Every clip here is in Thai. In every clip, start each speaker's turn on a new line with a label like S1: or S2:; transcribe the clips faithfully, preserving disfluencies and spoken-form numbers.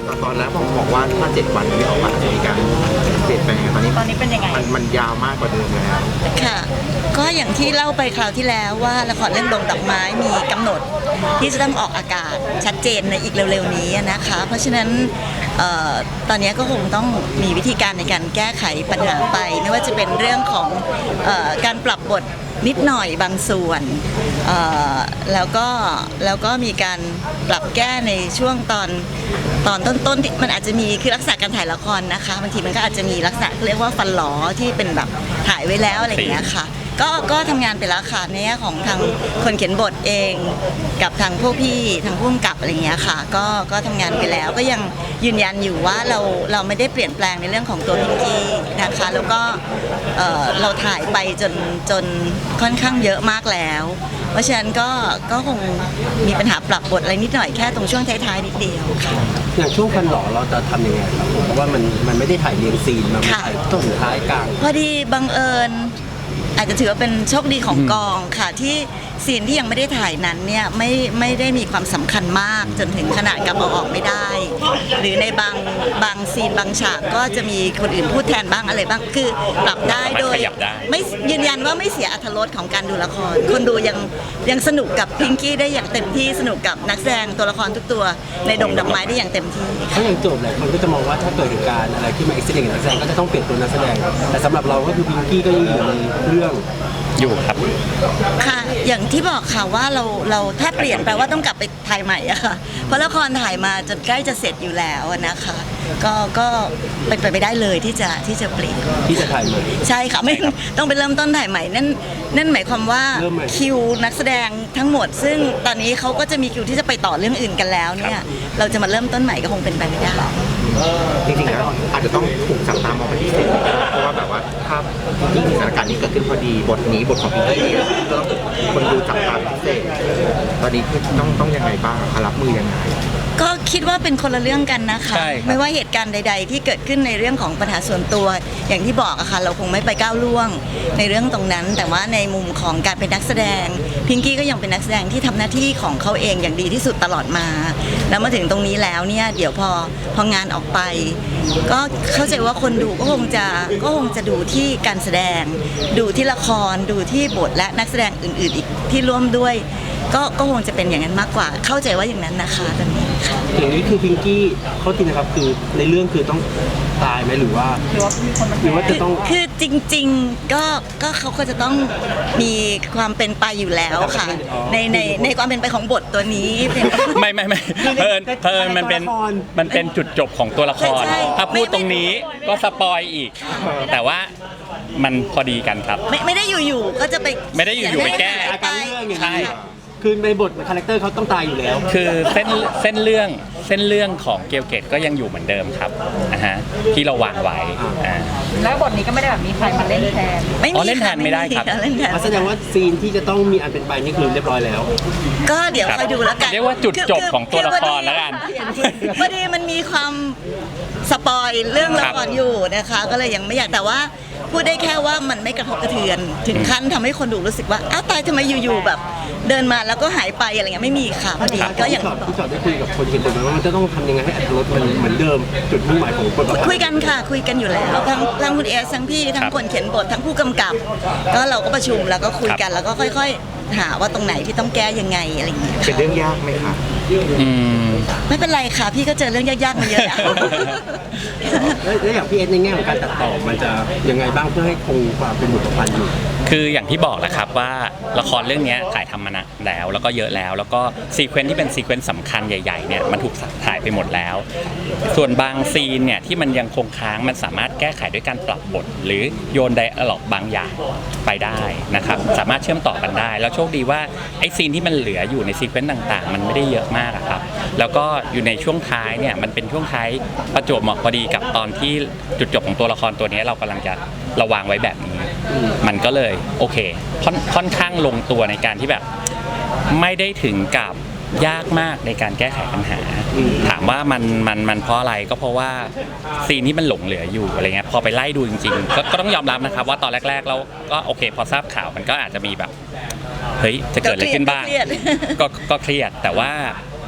S1: ตอนแรกบอกบอกว่าถ้าเจ็ดวันนี้ออกมาจะมีการเปลี่ยนแปลงตอนนี้
S2: ตอนนี้เป็นยังไง
S1: มันมันยาวมากกว่าเดิมแล้ว
S3: ค่ะก็อย่างที่เล่าไปคราวที่แล้วว่าละครเรื่องดงดอกไม้มีกำหนดที่จะต้องออกอากาศชัดเจนในอีกเร็วๆนี้นะคะเพราะฉะนั้นตอนนี้ก็คงต้องมีวิธีการในการแก้ไขปัญหาไปไม่ว่าจะเป็นเรื่องของการปรับบทนิดหน่อยบางส่วนแล้วก็แล้วก็มีการปรับแก้ในช่วงตอนตอนต้นๆที่มันอาจจะมีคือลักษณะการถ่ายละครนะคะบางทีมันก็อาจจะมีลักษณะเรียกว่าฟันหลอที่เป็นแบบถ่ายไว้แล้วอะไรอย่างเงี้ยค่ะก็ก็ทำงานไปแล้วค่ะในแง่ของทางคนเขียนบทเองกับทางพวกพี่ทางผู้กำกับอะไรอย่างเงี้ยค่ะก็ก็ทำงานไปแล้วก็ยังยืนยันอยู่ว่าเราเราไม่ได้เปลี่ยนแปลงในเรื่องของตัวพิงกี้นะคะแล้วก็เอ่อเราถ่ายไปจนจนค่อนข้างเยอะมากแล้วเพราะฉะนั้นก็ก็คงมีปัญหาปรับบทอะไรนิดหน่อยแค่ตรงช่วงท้ายๆนิดเดียวค่ะ
S4: อย่างช่วงฟันหล่อเราจะทำยังไงครับเพราะว่ามันมันไม่ได้ถ่ายเรียงซีนมันถ่ายต้นท้ายกลาง
S3: พอดีบังเอิญอาจจะถือว่าเป็นโชคดีของกองค่ะที่ซีนที่ยังไม่ได้ถ่ายนั้นเนี่ยไม่ไม่ได้มีความสำคัญมากจนถึงขนาดกับเอาออกไม่ได้หรือในบางบางซีนบางฉากก็จะมีคนอื่นพูดแทนบ้างอะไรบ้างคือปรับได้โดยไม่ยืนยันว่าไม่เสียอรรถรสของการดูละครคนดูยังยังสนุกกับพิงกี้ได้อย่างเต็มที่สนุกกับนักแสดงตัวละครทุกตัวในดงดอกไม้ได้อย่างเต็มที่
S4: เพราะอย่างโจทย์หลายคนก็จะมองว่าถ้าเกิดเหตุการณ์อะไรที่มาเอ็กซิเดนต์กับนักแสดงก็จะต้องเปลี่ยนตัวนักแสดงแต่สำหรับเราก็คือพิงกี้ก็ยังอยู่ในเรื่อง
S5: อยู่ครับ
S3: ค่ะอย่างที่บอกค่ะว่าเราเราถ้าเปลี่ยนแปลว่าต้องกลับไปถ่ายใหม่อะค่ะเพราะละครถ่ายมาจนใกล้จะเสร็จอยู่แล้วนะคะก็ก็เป็นไปไม่ได้เลยที่จะที่จะเปลี่ยน
S4: ที่จะถ่ายใหม่
S3: ใช่ค่ะไม่ต้องไปเริ่มต้นถ่ายใหม่นั่นนั่นหมายความว่าคิวนักแสดงทั้งหมดซึ่งตอนนี้เขาก็จะมีคิวที่จะไปต่อเรื่องอื่นกันแล้วเนี่ยเราจะมาเริ่มต้นใหม่ก็คงเป็นไปไม่ได้
S1: จริงๆแล้วอาจจะต้องถูกจับตามองเป็นพิเศษเพราะว่าแบบว่าถ้าที่สถานการณ์นี้เกิดขึ้นพอดีบทนี้บทของพี่กี้ก็คนดูจับตามพิเศษตอนนี้ต้องต้องยังไงบ้างรับมือยังไง
S3: ก็คิดว่าเป็นคนละเรื่องกันนะคะไม่ว่าเหตุการณ์ใดๆที่เกิดขึ้นในเรื่องของปัญหาส่วนตัวอย่างที่บอกอะค่ะเราคงไม่ไปก้าวล่วงในเรื่องตรงนั้นแต่ว่าในมุมของการเป็นนักแสดงพิงกี้ก็ยังเป็นนักแสดงที่ทำหน้าที่ของเขาเองอย่างดีที่สุดตลอดมาแล้วมาถึงตรงนี้แล้วเนี่ยเดี๋ยวพอพองานออกไปก็เข้าใจว่าคนดูก็คงจะก็คงจะดูที่การแสดงดูที่ละครดูที่บทและนักแสดงอื่นๆอีกที่ร่วมด้วยก็ก็คงจะเป็นอย่างนั้นมากกว่าเข้าใจว่าอย่างนั้นนะคะตอนนี้ค่ะ
S4: อย่างนี้คือพิงกี้เขาทีนะครับคือในเรื่องคือต้องตายไหมหรือว่า
S2: หรือว่ามีคนมา
S4: หรือว่าจะต้อง
S3: คือจริงๆก็ก็เขาก็จะต้องมีความเป็นไปอยู่แล้วค่ะในในในความเป็นไปของบทตัวนี้
S5: ไม่ไม่ไม่เพิ่นเพิ่นมันเป็นมันเป็นจุดจบของตัวละครถ้าพูดตรงนี้ก็สปอยอีกแต่ว่ามันพอดีกันครับ
S3: ไม่ไม่ได้อยู่ๆก็จะไป
S5: ไม่ได้อยู่ๆไปแก้
S4: ใช่คือในบทคาแรคเตอร์เขาต้องตายอยู่แล้ว
S5: คือเส้นเส้นเรื่องเส้นเรื่องของเกลเกตก็ยังอยู่เหมือนเดิมครับนะฮะที่เราวางไว้
S2: แล้วบทนี้ก็ไม่ได้แบบมีใครมาเล่นแทน
S5: ไม่มีเล่นแทนไม่ได้ครับ
S4: แสดงว่าซีนที่จะต้องมีอันเป็นไปนี่คือเรียบร้อยแล้ว
S3: ก็เดี๋ยวคอยดูแล้วกัน
S5: เรียกว่าจุดจบของตัวละครแล้วกัน
S3: พอดีมันมีความสปอยเรื่องละครอยู่นะคะก็เลยยังไม่อยากแต่ว่าพูดได้แค่ว่ามันไม่กระทบกระเทือนถึงขั้นทำให้คนดูรู้สึกว่าอ้าวตายทำไมอยู่ๆแบบเดินมาแล้วก็หายไปอะไรเงี้ยไม่มีค่ะพอดีก็อย่าง
S4: ที่จอดได้คุยกับคนเขียนบทว่ามันจะต้องทำยังไงให้อรรถรสมันเหมือนเดิมจุดมุ่งหมายของบท
S3: คุยกันค่ะคุยกันอยู่แล้วทั้งทั้งคุณเอสทั้งพี่ทั้งคนเขียนบททั้งผู้กำกับก็เราก็ประชุมแล้วก็คุยกันแล้วก็ค่อยๆหาว่าตรงไหนที่ต้องแก้ยังไงอะไรอย่างเงี้ย
S1: เป็นเรื่องยากไหมคะ
S3: ไม่เป็นไรค่ะพี่ก็เจอเรื่องยากๆมาเยอะแล้ว
S4: แล้วอย่างพี่เอสในแง่ของการตัดต่อมันจะยังไงบ้างเพื่อให้คงความเป็นบทประพันธ์อยู่
S5: คืออย่างที่บอกแหละครับว่าละครเรื่องนี้ถ่ายทำมานานแล้วแล้วก็เยอะแล้วแล้วก็ซีเควนซ์ที่เป็นซีเควนซ์สำคัญใหญ่ๆเนี่ยมันถูกถ่ายไปหมดแล้วส่วนบางซีนเนี่ยที่มันยังคงค้างมันสามารถแก้ไขด้วยการปรับบทหรือโยนไดอะล็อกบางอย่างไปได้นะครับสามารถเชื่อมต่อกันได้แล้วโชคดีว่าไอ้ซีนที่มันเหลืออยู่ในซีเควนซ์ต่างๆมันไม่ได้เยอะมากครับแล้วก็อยู่ในช่วงท้ายเนี่ยมันเป็นช่วงท้ายประจวบเหมาะพอดีกับตอนที่จุดจบของตัวละครตัวนี้เรากำลังจะระวางไว้แบบนี้มันก็เลยโอเคค่อนค่อนข้างลงตัวในการที่แบบไม่ได้ถึงกับยากมากในการแก้ไขปัญหาถามว่ามันมันมันเพราะอะไรก็เพราะว่าซีนนี้มันหลงเหลืออยู่อะไรเงี้ยพอไปไล่ดูจริงๆก็ก็ต้องยอมรับนะครับว่าตอนแรกๆเราก็โอเคพอทราบข่าวมันก็อาจจะมีแบบเฮ้ยจะเกิดอะไรขึ้นบ้างก็ก็เครียดแต่ว่าพ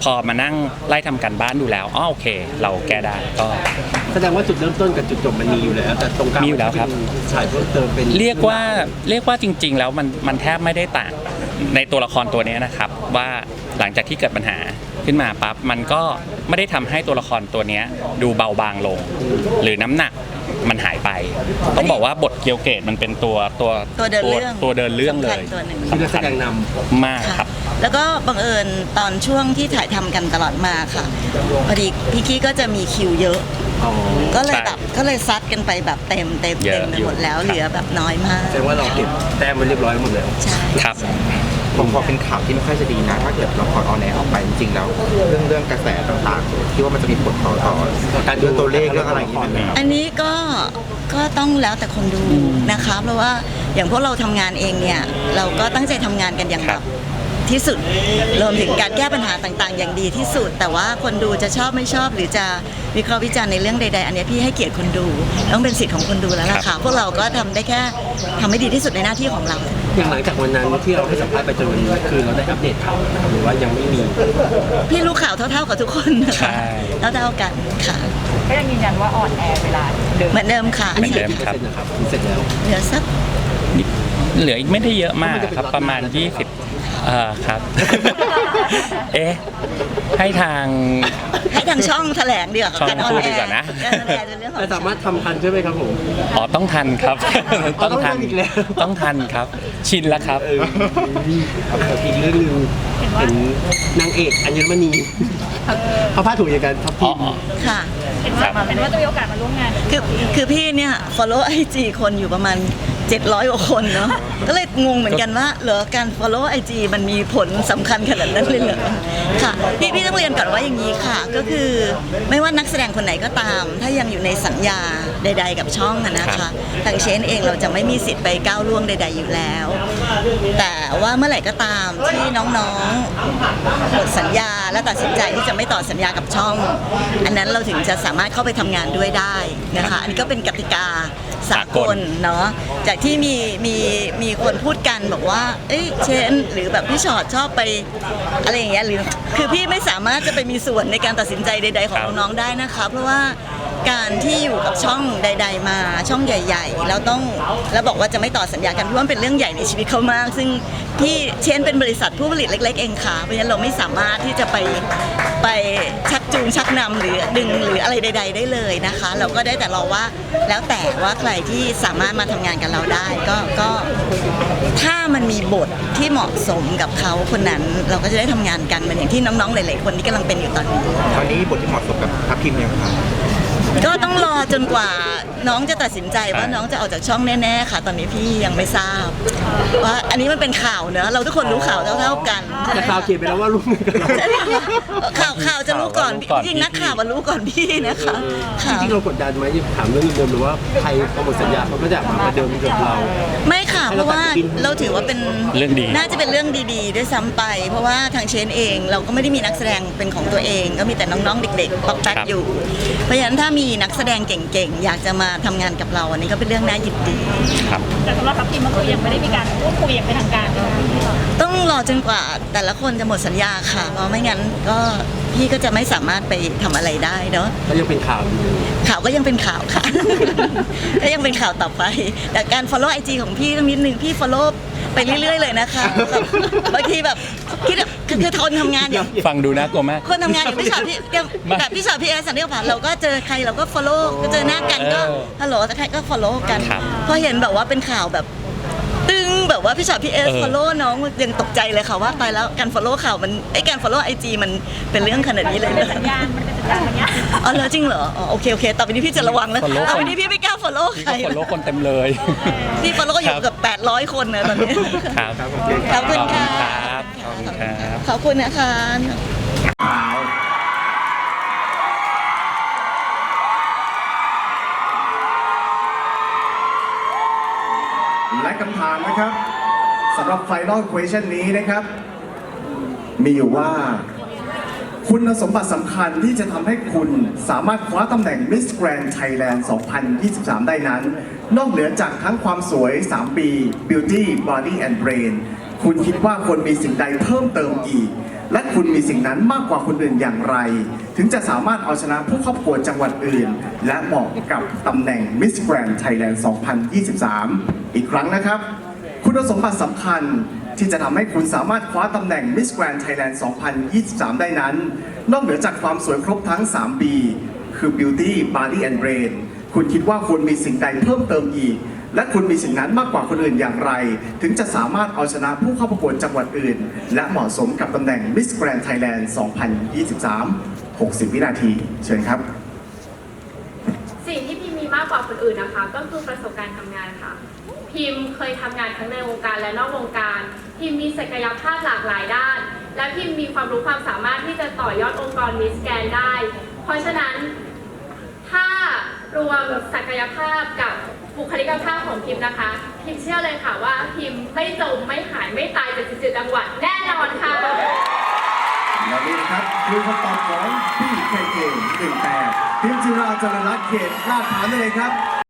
S5: พอมานั่งไล่ทำการบ้านดูแล้วอ๋อโอเค เราแก้ได้ก็
S4: แสดงว่าจุดเริ่มต้นกับจุดจบมันมีอยู่แล้วแต่ตรงกลาง
S5: มีอยู่แล้วครับ
S4: ฉายเพิ่มเติมเป็น
S5: เรียกว่าเรียกว่าจริง ๆ แล้วมันมันแทบไม่ได้ต่างในตัวละครตัวนี้นะครับ ว่าหลังจากที่เกิดปัญหาขึ้นมาปั๊บมันก็ไม่ได้ทำให้ตัวละครตัวนี้ดูเบาบางลง หรือน้ำหนักมันหายไป ต้องบอกว่าบทเกียวเกตมันเป็นตัวตัว
S3: ตัวเดินเรื่อง
S5: ตัวเดินเรื่องเลย
S3: สำคัญตัวหนึ่ง
S4: ที่นักแสดงนำ
S5: มากครับ
S3: แล้วก็บังเอิญตอนช่วงที่ถ่ายทำกันตลอดมาค่ะพอดีพี่กี้ก็จะมีคิวเยอะ
S4: อ๋อ
S3: ก็เลย
S5: ใช่
S3: แบบก็เลยซัดกันไปแบบเต็มเต็ม
S5: เย
S3: เต็
S5: อะ
S3: มไป
S5: อยู่
S3: หมดแล้วเหลือแบบน้อยมาก
S4: แสดงว่าเราเก็บแต้มไว้เรียบร้อยหมดแล้ว
S3: ใช่
S5: ครับ
S1: ผมพอเป็นข่าวที่ไม่ค่อยจะดีนะถ้าเกิดละครออนแอร์ออกไปจริงๆแล้ว เรื่องเรื่องกระแสต่างๆที่ว่ามันจะมีผลต่อต่อการเรื่องตัวเลขเรื่องอะไรอย่างเงี้ยไหมครับ
S3: อันนี้ก็ก็ต้องแล้วแต่คนดูนะคะ เพราะว่าอย่างพวกเราทำงานเองเนี่ยเราก็ตั้งใจทำงานกันอย่าง
S5: ค
S3: แบ
S5: รั
S3: บบ ที่สุดรวมถึงการแก้ปัญหาต่างๆ อย่างดีที่สุด แต่ว่าคนดูจะชอบไม่ชอบหรือจะวิเคราะห์วิจารณ์ในเรื่องใดๆอันนี้พี่ให้เกียรติคนดูต้องเป็นสิทธิ์ของคนดูแล้วล่ะค่ะพวกเราก็ทำได้แค่ทำให้ดีที่สุดในหน้าที่ของเรา
S4: อย่างหลังจากวันนั้นที่เราให้สัมภาษณ์ไปจนวันนี้คือเราได้อัปเดตข่าวนะครับหรือว่ายังไม่มี
S3: พี่รู้ข่าวเท่าๆกับทุกคนนะ
S5: ใช่
S3: คะเท่าๆกันค่ะ
S2: ก็ยังยืนยันว่าออนแอร์เวลาเดิม
S3: เหมือนเดิมค่ะ
S5: เหมือนเดิม
S4: กี่เปอร์เซ็นต์นะครับถึงเสร็จแล้ว
S3: เหลือสัก
S5: เหลืออีกไม่ได้เยอะมากครับประมาณ ยี่สิบเอ่อครับ เอ๊ะให้ทาง
S3: ให้ทางช่องแถลงดีกว่า
S5: ช่อง
S3: การออน
S5: พูด
S3: แอ
S5: ดี
S3: ร์
S5: กว่านะ
S3: การออนแอร์เป็นเรื่องของ
S4: แต่สามารถทำทันใช่ไหมครับผม
S5: อ๋อต้องทันครับ
S4: อ๋อต้องทันอีกแล้ว
S5: ต้องทันครับ ชินแล้วครับ
S4: เออกับอีกเรื่องหนึงเห็นนางเอกอัญมณีเขาพาดถูกอย่างกันทับ
S5: อ๋
S4: ทิ
S5: อ
S4: ม
S5: อ๋อ
S3: ค่ะ
S2: เห็นว่าเห็นว่าจะมีโอกาสมาร่วมงาน
S3: คือคือพี่เนี่ย follow ไอจีคนอยู่ประมาณเจ็ดร้อยกว่าคนเนาะ ก็เลยงงเหมือนกันว่าเหรอการ follow ไอจีมันมีผลสำคัญขนาดนั้นเลยเหรอค่ะพี่พี่ต้องเรียนก่อนว่าอย่างนี้ค่ะ ก็คือไม่ว่านักแสดงคนไหนก็ตาม ถ้ายังอยู่ในสัญญาใด ๆ กับช่องอะนะคะทางเชนเองเราจะไม่มีสิทธิ์ไปก้าวล่วงใด ๆอยู่แล้ว แต่ว่าเมื่อไหร่ก็ตามที่น้องๆหมดสัญญาและตัดสินใจที่จะไม่ต่อสัญญากับช่อง อันนั้นเราถึงจะสามารถเข้าไปทำงานด้วยได้นะคะอันนี้ก็เป็นกติกาสากลเนาะจากที่มีมีมีคนพูดกันบอกว่าเอ้ยเชนหรือแบบพี่ชอตชอบไปอะไรอย่างเงี้ยหรือคือพี่ไม่สามารถจะไปมีส่วนในการตัดสินใจใด ๆ ของน้องๆได้นะคะเพราะว่าการที่อยู่กับช่องใด ๆ มาช่องใหญ่ ๆ แล้วต้องแล้วบอกว่าจะไม่ต่อสัญญากันพี่ว่ามันเป็นเรื่องใหญ่ในชีวิตเขามาก ซึ่งพี่เชนเป็นบริษัทผู้ผลิตเล็ก ๆ เองค่ะเพราะฉะนั้นเราไม่สามารถที่จะไปไปชักจูงชักนำหรือดึงหรืออะไรใด ๆ ได้เลยนะคะ เราก็ได้แต่รอว่าแล้วแต่ว่าใครที่สามารถมาทำงานกับเราได้ก็ก็ถ้ามันมีบทที่เหมาะสมกับเขาคนนั้น เราก็จะได้ทำงานกันเหมือนอย่างที่น้องๆหลายๆคนที่กำลังเป็นอยู่ตอนนี้
S1: ตอนนี้บทที่เหมาะสมกับทัพทิมยังครับ
S3: ก็ต้องรอจนกว่าน้องจะตัดสินใจว่าน้องจะออกจากช่องแน่ๆค่ะ ตอนนี้พี่ยังไม่ทราบว่าอันนี้มันเป็นข่าวเนอะเราทุกคนรู้ข่าวเท่าๆกัน
S4: แต่ข่าวเขียนไปแล้วว่าร่วมมือกันเรา
S3: ใช่ไหมคะข่าวข่าวจะรู้ก่อน
S5: ข่าวว่ารู้ก่อน
S3: จริงๆนักข่าวมารู้ก่อนพี่นะคะ
S4: จ
S3: ค่ะ
S4: ริงๆเรากดดันไหมถามเรื่องเดิมๆหรือว่าใครพอหมดสัญญาเขาก็จะมาประเดิมกับเรา
S3: ไม่ค่ะเพราะว่าเราถือว่าเป็น
S5: เรื่องดี
S3: น่าจะเป็นเรื่องดีๆด้วยซ้ำไป เพราะว่าทางเชนเองเราก็ไม่ได้มีนักแสดงเป็นของตัวเอง ก็มีแต่น้องๆเด็กๆปอกแป๊กอยู่ เพราะฉะนั้นถ้ามีนักแสดงเก่งๆอยากจะมาทำงานกับเราอันนี้ก็เป็นเรื่องน่ายินดี
S5: ครับ
S2: แต่สำหรับทัพทีมก็คือยังไม่ได้มีการพูดคุยอย่างเป็นทางการเลย
S3: ต้องรอจนกว่าแต่ละคนจะหมดสัญญาค่ะเพราะไม่งั้นก็พี่ก็จะไม่สามารถไปทำอะไรได้เนาะ
S4: ก็ยังเป็นข่าวอยู่
S3: ข่าวก็ยังเป็นข่าวค่ะ ก็ยังเป็นข่าวต่อไป แต่การ follow ไอจีของพี่ต้องนิดนึงพี่ follow ไปเรื่อยๆเลยนะคะแบบบางทีแบบคิดแบบคือคือทนทำงานอย่าง
S5: ฟังดูน่ากลัวมาก
S3: คนทำงานอย่างพี่ชอตพี่แบบพี่ชอตพี่เอสสันนิษฐานเราก็เจอใครเราก็ follow ก็เจอหน้ากันก็
S5: เออ
S3: ฮัลโหลแต่ใครก็ follow กัน
S5: ครับ
S3: พอเห็นแบบว่าเป็นข่าวแบบตึงแบบว่าพี่ชอตพี่เอส
S5: เออ
S3: follow น้องยังตกใจเลยค่ะว่าตายแล้วการ follow ข่าวมันไอ้การ follow ไอจีมันเป็นเรื่องขนาดนี้เลยเหรอ
S2: สัญญาณมันเป็นสัญญาณอย่างเงี้ย
S3: อ๋อเหรอจริงเหรออ๋อโอเคโอเคต่อไปนี้พี่จะระวังแล้ว
S5: follow
S3: ต่อไปนี้พี่ไม่กล้า follow ใคร
S5: นี่ก็คนโลกคนเต็มเลย
S3: พี่ follow อยู่เกับแปดร้อยคนนะตอนนี้
S5: ครับ
S3: ขอบคุณค่ะ
S5: ครับขอบคุณครับ
S3: ขอบคุณนะคะ
S6: และคำถามนะครับสำหรับ Final Question นี้นะครับ มีอยู่ว่า คุณสมบัติสำคัญที่จะทำให้คุณสามารถคว้าตำแหน่ง Miss Grand Thailand สองพันยี่สิบสาม ได้นั้น นอกเหนือจากทั้งความสวย สาม ปี Beauty Body and Brain คุณคิดว่าควรมีสิ่งใดเพิ่มเติมอีกและคุณมีสิ่งนั้นมากกว่าคนอื่นอย่างไร ถึงจะสามารถเอาชนะผู้เข้าประกวดจังหวัดอื่น และเหมาะกับตำแหน่ง Miss Grand Thailand สองพันยี่สิบสาม อีกครั้งนะครับ คุณสมบัติสำคัญที่จะทำให้คุณสามารถคว้าตำแหน่ง Miss Grand Thailand สองพันยี่สิบสาม ได้นั้น นอกเหนือจากความสวยครบทั้ง สาม บี คือ Beauty Body and Brain คุณคิดว่าคุณมีสิ่งใดเพิ่มเติมอีก และคุณมีสิ่งนั้นมากกว่าคนอื่นอย่างไร ถึงจะสามารถเอาชนะผู้เข้าประกวดจังหวัดอื่น และเหมาะสมกับตำแหน่ง Miss Grand Thailand สองพันยี่สิบสาม หกสิบ วินาที เชิญครับ
S7: สิ่งที่พิมมีมากกว่าคนอื่นนะคะ ก็คือประสบการณ์ทำงานค่ะ พิมเคยทำงานทั้งในวงการและนอกวงการ พิมมีศักยภาพหลากหลายด้าน และพิมมีความรู้ความสามารถที่จะต่อยอดองค์กรมิสแกนได้ เพราะฉะนั้นถ้ารวมศักยภาพกับบุคลิกภาพของพิมนะคะ พิมเชื่อเลยค่ะว่าพิมไม่จมไม่หายไม่ตายจากสิบเจ็ดจังหวัดแน่นอนค่ะ
S6: และนี่นะครับคือคำตอบของพี่เคเคหนึ่งแปดพิมจิราเจริญรัตน์เขตลาดพร้าวนั่นเองครับ